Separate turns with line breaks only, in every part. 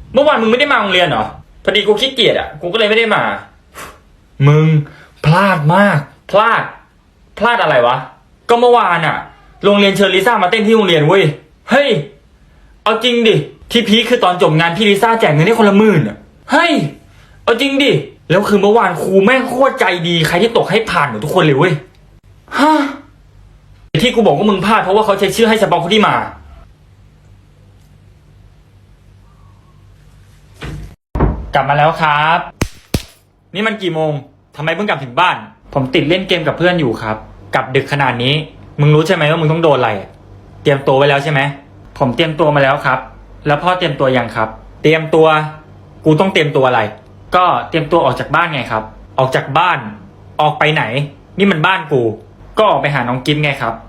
เมื่อวานมึงไม่ได้มาโรงเรียนเหรอพอดีกูขี้เกียจอ่ะกูก็เลยไม่ได้มามึงพลาดมากพลาดอะไรวะก็เมื่อวานอ่ะโรงเรียนเชิญลิซ่ามาเต้นที่โรงเรียนเว้ยเฮ้ยเอาจริงดิที่พีคคือตอนจบงานพี่ลิซ่าแจกเงินให้คนละ10,000อ่ะเฮ้ยเอาจริงดิแล้วคือเมื่อวานครูแม่งโคตรใจดีใครที่ตกให้ผ่านหมดทุกคนเลยเว้ยฮะที่กูบอกว่ามึงพลาดเพราะว่าเขาใช้ชื่อให้เฉพาะคนที่มากลับมาแล้วครับนี่มันกี่โมงทำไมเพิ่งกลับถึงบ้านผมติดเล่นเกมกับเพื่อนอยู่ครับกลับดึกขนาดนี้มึงรู้ใช่ไหมว่ามึงต้องโดนอะไรเตรียมตัวไว้แล้วใช่ไหมผมเตรียมตัวมาแล้วครับแล้วพ่อเตรียมตัวยังครับเตรียมตัวกูต้องเตรียมตัวอะไรก็เตรียมตัวออกจากบ้านไงครับออกจากบ้านออกไปไหนนี่มันบ้านกูก็ออกไปหาน้องกิ๊บไงครับ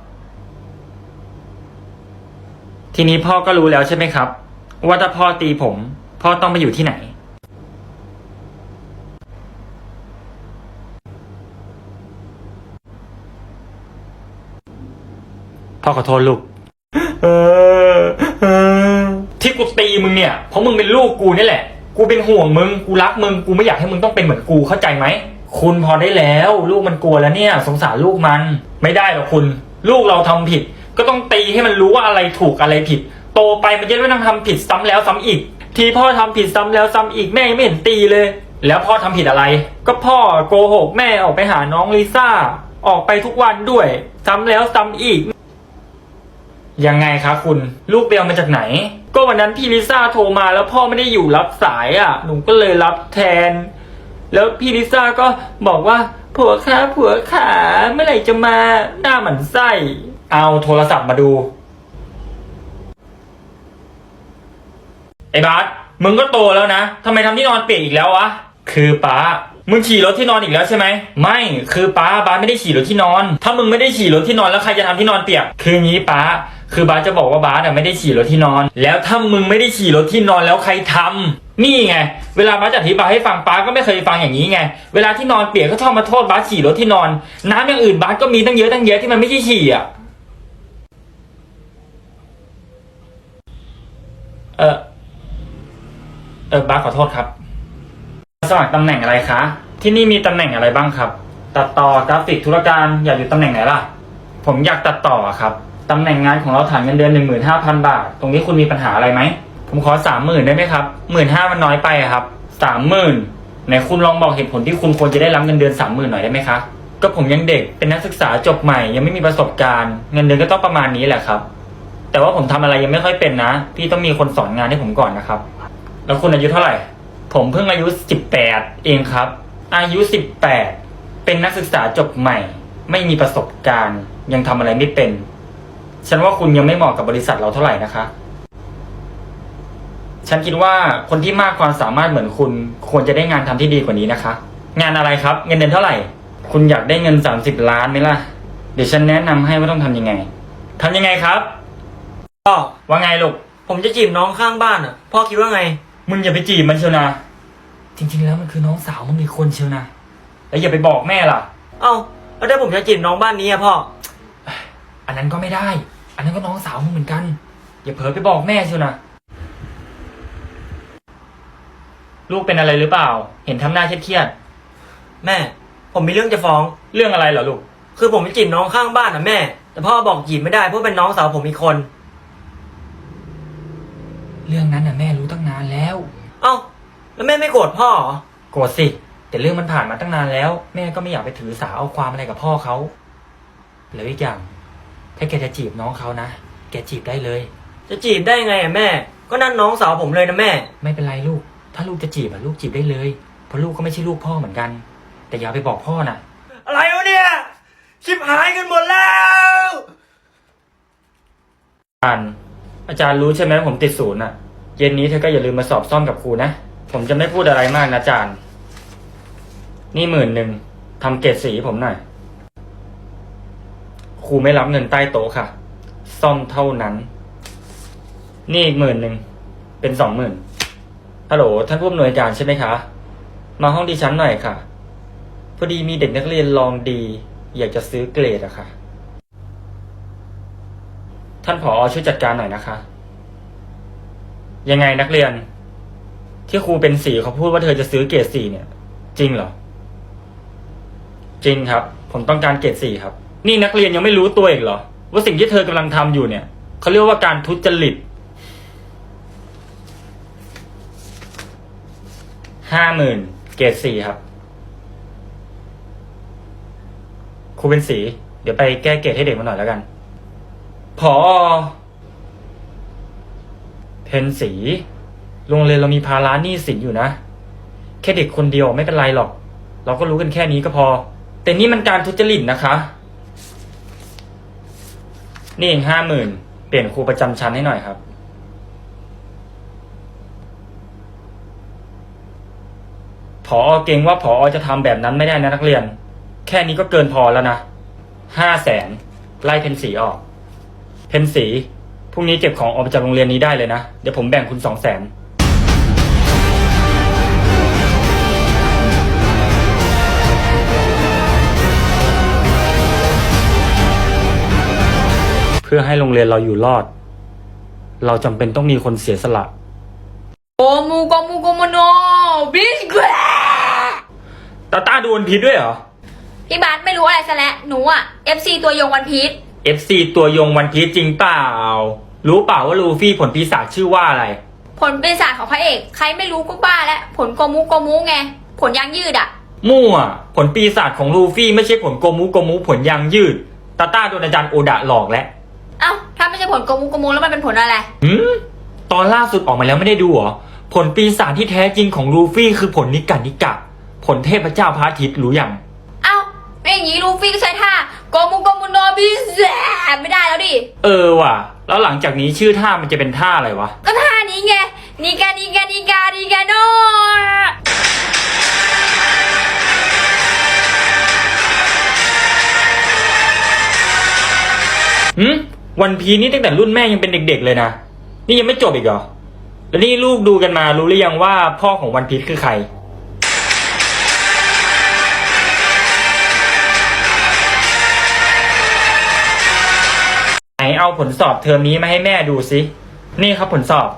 ทีนี้พ่อก็รู้แล้วใช่ไหมครับว่าถ้าพ่อตีผมพ่อต้องไปอยู่ที่ไหนพ่อขอโทษลูกที่กูตีมึงเนี่ยเพราะมึงเป็นลูกกูนี่แหละกูเป็นห่วงมึงกูรักมึงกูไม่อยากให้มึงต้องเป็นเหมือนกูเข้าใจไหมคุณพอได้แล้วลูกมันกลัวแล้วเนี่ยสงสารลูกมันไม่ได้หรอกคุณลูกเราทำผิดก็ต้องตีให้มันรู้ว่าอะไรถูกอะไรผิดโตไปมันจะไม่ต้องทำผิดซ้ำแล้วซ้ำอีกที่พ่อทำผิดซ้ำแล้วซ้ำอีกแม่ยังไม่เห็นตีเลยแล้วพ่อทำผิดอะไรก็พ่อโกหกแม่ออกไปหาน้องลิซ่าออกไปทุกวันด้วยซ้ำแล้วซ้ำอีกยังไงคะคุณลูกเบลมาจากไหนก็วันนั้นพี่ลิซ่าโทรมาแล้วพ่อไม่ได้อยู่รับสายอ่ะหนูก็เลยรับแทนแล้วพี่ลิซ่าก็บอกว่าผัวขาเมื่อไหร่จะมาหน้าหมันไส้เอาโทรศัพท์มาดูไอ้บาสมึงก็โตแล้วนะทำไมทำที่นอนเปียกอีกแล้ววะคือป้ามึงฉี่รถที่นอนอีกแล้วใช่ไหมไม่คือป้าไม่ได้ฉี่รถที่นอนถ้ามึงไม่ได้ฉี่รถที่นอนแล้วใครจะทำที่นอนเปียกคืองี้ป้าคือบ้าจะบอกว่าบ้าไม่ได้ฉี่รถที่นอนแล้วถ้ามึงไม่ได้ฉี่รถที่นอนแล้วใครทำนี่ไงเวลาบ้าจะอธิบายให้ฟังป้าก็ไม่เคยฟังอย่างนี้ไงเวลาที่นอนเปียกก็ชอบมาโทษบ้าฉี่รถที่นอนน้ำอย่างอื่นบ้าก็มีตั้งเยอะที่มันไม่ใช่ฉี่อ่ะบ้าขอโทษครับสมัครตำแหน่งอะไรคะที่นี่มีตำแหน่งอะไรบ้างครับตัดต่อกราฟิกธุรการอยากอยู่ตำแหน่งไหนล่ะผมอยากตัดต่อครับตำแหน่งงานของเราฐานเงินเดือน 15,000 บาทตรงนี้คุณมีปัญหาอะไรไหมผมขอ 30,000 ได้ไหมครับ 15,000 มันน้อยไปครับ 30,000ไหนคุณลองบอกเหตุผลที่คุณควรจะได้รับเงินเดือน 30,000 หน่อยได้ไหมคะก็ผมยังเด็กเป็นนักศึกษาจบใหม่ยังไม่มีประสบการณ์เงินเดือนก็ต้องประมาณนี้แหละครับแต่ว่าผมทำอะไรยังไม่ค่อยเป็นนะพี่ต้องมีคนสอนงานให้ผมก่อนนะครับแล้วคุณอายุเท่าไหร่ผมเพิ่งอายุ18เองครับอายุ18เป็นนักศึกษาจบใหม่ไม่มีประสบการณ์ยังทำอะไรไม่เป็นฉันว่าคุณยังไม่เหมาะกับบริษัทเราเท่าไหร่นะคะฉันคิดว่าคนที่มากความสามารถเหมือนคุณควรจะได้งานทำที่ดีกว่านี้นะคะงานอะไรครับเงินเดือนเท่าไหร่คุณอยากได้เงิน30 ล้านไหมล่ะเดี๋ยวฉันแนะนำให้ว่าต้องทำยังไงครับ
พ่อ
ว่าไงลูก
ผมจะจีบน้องข้างบ้านอ่ะพ่อคิดว่าไง
มึงอย่าไปจีบมันเชียวนะจริงๆแล้วมันคือน้องสาวมึงอีกคนเชียวนะแล้วอย่าไปบอกแม่ล่ะ
เอ้าแล้วถ้าผมจะจีบน้องบ้านนี้อะพ่อ
อันนั้นก็ไม่ได้อันนั้นก็น้องสาวมึงเหมือนกันอย่าเผลอไปบอกแม่เชียวนะลูกเป็นอะไรหรือเปล่าเห็นทำหน้าเครียด
แม่ผมมีเรื่องจะฟ้อง
เรื่องอะไรเหรอลูก
คือผมไปจีบน้องข้างบ้านอ่ะแม่แต่พ่อบอกจีบไม่ได้เพราะเป็นน้องสาวผมอีกคน
เรื่องนั้นน่ะแม่รู้ตั้งนานแล้ว
เอ้าแล้วแม่ไม่โกรธพ่อเหรอ
โกรธสิแต่เรื่องมันผ่านมาตั้งนานแล้วแม่ก็ไม่อยากไปถือสาเอาความอะไรกับพ่อเขาแล้วอีกอย่างถ้าแกจะจีบน้องเขานะแกจีบได้เลย
จะจีบได้ไงอ่ะแม่ก็นั่นน้องสาวผมเลยนะแม่
ไม่เป็นไรลูกถ้าลูกจะจีบลูกจีบได้เลยเพราะลูกก็ไม่ใช่ลูกพ่อเหมือนกันแต่อย่าไปบอกพ่อนะ
อะไรวะเนี่ยชิบหายกันหมดแล้ว
อาจารย์รู้ใช่ไหมผมติดศูนย์เย็นนี้เธอก็อย่าลืมมาสอบซ่อมกับครูนะผมจะไม่พูดอะไรมากนะอาจารย์นี่10,000ทำเกรดสีผมหน่อยครูไม่รับเงินใต้โต๊ะค่ะซ่อมเท่านั้นนี่อีก10,000เป็น20,000ฮัลโหลท่านผู้อำนวยการใช่ไหมคะมาห้องดิฉันหน่อยค่ะพอดีมีเด็กนักเรียนลองดีอยากจะซื้อเกรดอะค่ะท่านผอ.ช่วยจัดการหน่อยนะคะยังไงนักเรียนที่ครูเป็นสีเขาพูดว่าเธอจะซื้อเกรด4เนี่ย จริงเหรอ จริงครับ ผมต้องการเกรด4ครับ นี่นักเรียนยังไม่รู้ตัวอีกเหรอว่าสิ่งที่เธอกำลังทำอยู่เนี่ยเขาเรียกว่าการทุจริต50,000 เกรด4ครับครูเป็นสีเดี๋ยวไปแก้เกรดให้เด็กมาหน่อยแล้วกันผอ.เพนสีโรงเรียนเรามีภาระหนี้สินอยู่นะแค่เด็กคนเดียวไม่เป็นไรหรอกเราก็รู้กันแค่นี้ก็พอแต่นี่มันการทุจริตนะคะนี่เอง50,000เปลี่ยนครูประจำชั้นให้หน่อยครับผอ.เก่งว่าผอ.จะทำแบบนั้นไม่ได้นะนักเรียนแค่นี้ก็เกินพอแล้วนะ500,000ไล่เพนสีออกเพนสีพรุ่งนี้เก็บของออกไปจากโรงเรียนนี้ได้เลยนะเดี๋ยวผมแบ่งคุณ200,000เพื่อให้โรงเรียนเราอยู่รอดเราจำเป็นต้องมีคนเสียสละ
โกมูโนบิสแควร์
ต้าดูวันพีชด้วยเหรอ
พี่บาสไม่รู้อะไรซะแล้วหนูอ่ะ FC ตัวยงวันพีช
FC ตัวยงวันพีชจริงเปล่ารู้เปล่าว่าลูฟี่ผลปีศาจชื่อว่าอะไร
ผลปีศาจของพระเอกใครไม่รู้ก็บ้าแล้วผลโกมูไงผลยางยืดอ่ะ
มั่วผลปีศาจของลูฟี่ไม่ใช่ผลโกมูผลยางยืดต้าโดนอาจารย์โอดะหลอกแล้ว
เอ้าถ้าไม่ใช่ผลโกมูแล้วมันเป็นผลอะไร
ตอนล่าสุดออกมาแล้วไม่ได้ดูเหรอผลปีศาจที่แท้จริงของลูฟี่คือผลนิกะผลเทพเจ้าพระอาทิตย์รู้ยัง
เอ้าไม่อย่างนี้ลูฟี่ก็ใช้ท่าโกมูโนบิสไม่ได้แล้วดิ
ว่ะแล้วหลังจากนี้ชื่อท่ามันจะเป็นท่าอะไรวะ
ก็ท่านี้ไงนิกาโน
วันพีนี่ตั้งแต่รุ่นแม่ยังเป็นเด็กๆเลยนะนี่ยังไม่จบอีกเหรอแล้วนี่ลูกดูกันมารู้หรือยังว่าพ่อของวันพีคือใครไหนเอาผลสอบเทอมนี้มาให้แม่ดูสินี่ครับผลสอบ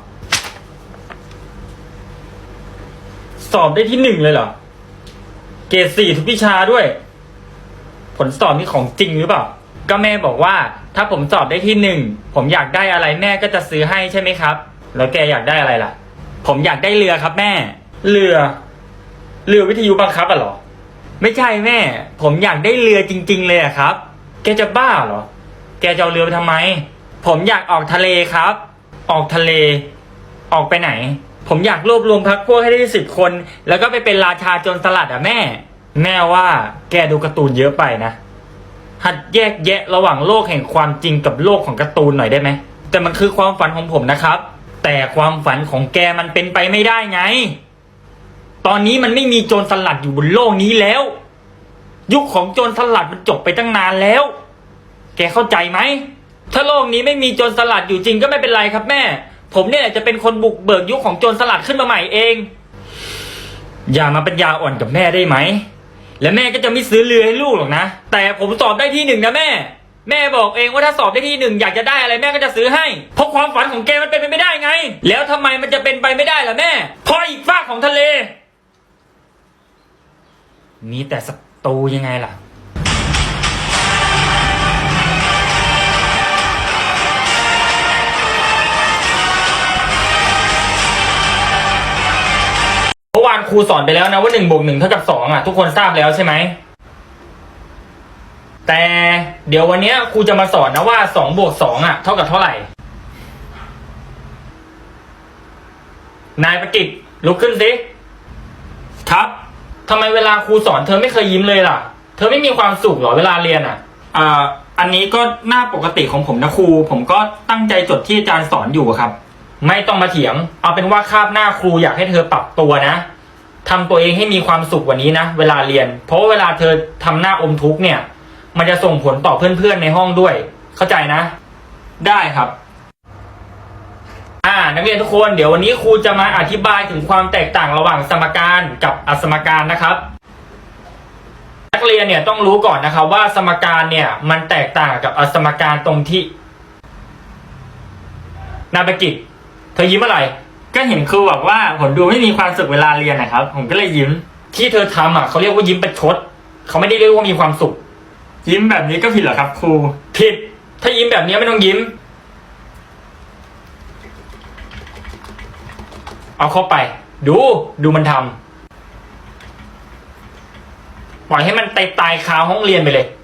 สอบได้ที่1เลยเหรอเกรด4ทุกวิชาด้วยผลสอบนี่ของจริงหรือเปล่าก็แม่บอกว่าถ้าผมสอบได้ที่1ผมอยากได้อะไรแม่ก็จะซื้อให้ใช่ไหมครับแล้วแกอยากได้อะไรล่ะผมอยากได้เรือครับแม่เรือวิทยุบังคับอ่ะเหรอไม่ใช่แม่ผมอยากได้เรือจริงๆเลยอะครับแกจะบ้าเหรอแกจะเอาเรือไปทำไมผมอยากออกทะเลครับออกทะเลออกไปไหนผมอยากรวบรวมพรรคพวกให้ได้10 คนแล้วก็ไปเป็นราชาโจรสลัดอ่ะแม่ว่าแกดูการ์ตูนเยอะไปนะหัดแยกแยะระหว่างโลกแห่งความจริงกับโลกของการ์ตูนหน่อยได้ไหมแต่มันคือความฝันของผมนะครับแต่ความฝันของแกมันเป็นไปไม่ได้ไงตอนนี้มันไม่มีโจรสลัดอยู่บนโลกนี้แล้วยุคของโจรสลัดมันจบไปตั้งนานแล้วแกเข้าใจไหมถ้าโลกนี้ไม่มีโจรสลัดอยู่จริงก็ไม่เป็นไรครับแม่ผมเนี่ยจะเป็นคนบุกเบิกยุคของโจรสลัดขึ้นมาใหม่เองอย่ามาปัญญาอ่อนกับแม่ได้ไหมและแม่ก็จะไม่ซื้อเรือให้ลูกหรอกนะแต่ผมสอบได้ที่1นะแม่บอกเองว่าถ้าสอบได้ที่1อยากจะได้อะไรแม่ก็จะซื้อให้เพราะความฝันของแกมันเป็นไปไม่ได้ไงแล้วทำไมมันจะเป็นไปไม่ได้ล่ะแม่เพราะอีกฝากของทะเลมีแต่ศัตรูยังไงล่ะเมื่อวานครูสอนไปแล้วนะว่า1 บวก 1เท่ากับ2อ่ะทุกคนทราบแล้วใช่ไหมแต่เดี๋ยววันนี้ครูจะมาสอนนะว่า2 บวก 2อ่ะเท่ากับเท่าไหร่นายประกิตลุกขึ้นสิครับทำไมเวลาครูสอนเธอไม่เคยยิ้มเลยล่ะเธอไม่มีความสุขหรอเวลาเรียนอ่ะอันนี้ก็หน้าปกติของผมนะครูผมก็ตั้งใจจดที่อาจารย์สอนอยู่ครับไม่ต้องมาเถียงเอาเป็นว่าคาบหน้าครูอยากให้เธอปรับตัวนะทำตัวเองให้มีความสุขกว่านี้นะเวลาเรียนเพราะว่าเวลาเธอทำหน้าอมทุกข์เนี่ยมันจะส่งผลต่อเพื่อนๆในห้องด้วยเข้าใจนะได้ครับนักเรียนทุกคนเดี๋ยววันนี้ครูจะมาอธิบายถึงความแตกต่างระหว่างสมการกับอสมการนะครับนักเรียนเนี่ยต้องรู้ก่อนนะครับว่าสมการเนี่ยมันแตกต่างกับอสมการตรงที่นายประกิตเธอยิ้มอะไรก็เห็นครูบอกว่าผมดูไม่มีความสุขเวลาเรียนนะครับ ผมก็เลยยิ้ม ที่เธอทำอ่ะเขาเรียกว่ายิ้มประชดเขาไม่ได้เรียกว่ามีความสุข ยิ้มแบบนี้ก็ผิดเหรอครับครูผิดถ้ายิ้มแบบนี้ไม่ต้องยิ้มเอาเข้าไปดูมันทำปล่อยให้มันตายคาห้องเรียนไปเลย